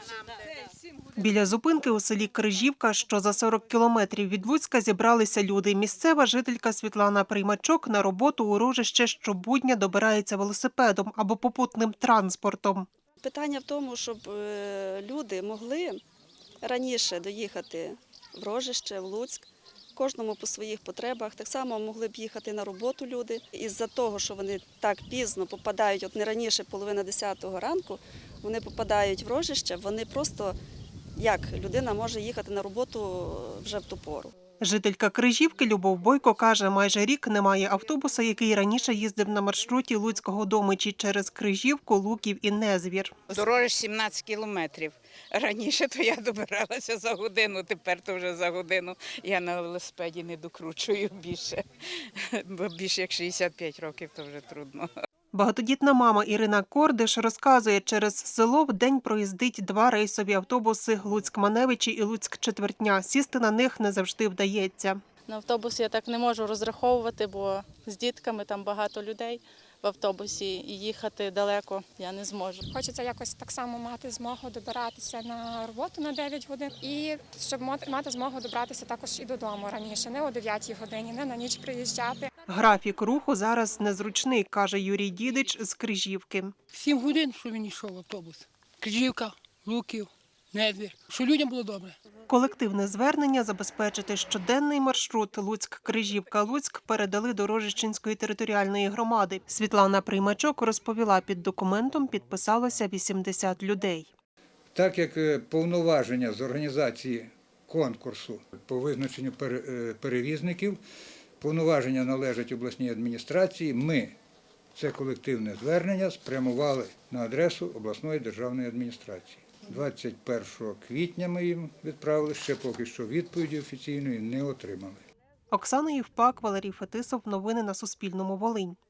Біля зупинки у селі Крижівка, що за 40 кілометрів від Луцька, зібралися люди. Місцева жителька Світлана Приймачок на роботу у Рожище щобудня добирається велосипедом або попутним транспортом. Питання в тому, щоб люди могли раніше доїхати в Рожище, в Луцьк, кожному по своїх потребах. Так само могли б їхати на роботу люди. Із-за того, що вони так пізно попадають, от не раніше половина 10-го ранку, вони попадають в Рожище, вони просто, як людина може їхати на роботу вже в ту пору. Жителька Крижівки Любов Бойко каже, майже рік немає автобуса, який раніше їздив на маршруті Луцького до Мичі через Крижівку, Луків і Незвір. Дорога 17 кілометрів. Раніше то я добиралася за годину, тепер то вже за годину. Я на велосипеді не докручую більше, бо більше як 65 років, то вже трудно. Багатодітна мама Ірина Кордиш розказує, через село в день проїздить 2 рейсові автобуси Луцьк-Маневичі і Луцьк-Четвертня. Сісти на них не завжди вдається. На автобус я так не можу розраховувати, бо з дітками там багато людей в автобусі і їхати далеко я не зможу. Хочеться якось так само мати змогу добиратися на роботу на 9 годин і щоб мати змогу добратися також і додому раніше, не о 9 годині, не на ніч приїжджати. Графік руху зараз незручний, каже Юрій Дідич з Крижівки. 7 годин, що він йшов автобус. Крижівка, Луків, Незвір. Що людям було добре. Колективне звернення забезпечити щоденний маршрут Луцьк-Крижівка-Луцьк передали до Рожищенської територіальної громади. Світлана Приймачок розповіла, під документом підписалося 80 людей. Так як повноваження з організації конкурсу по визначенню перевізників, повноваження належать обласній адміністрації, ми це колективне звернення спрямували на адресу обласної державної адміністрації. 21 квітня ми їм відправили, ще поки що відповіді офіційної не отримали. Оксана Євпак, Валерій Фетисов. Новини на Суспільному. Волинь.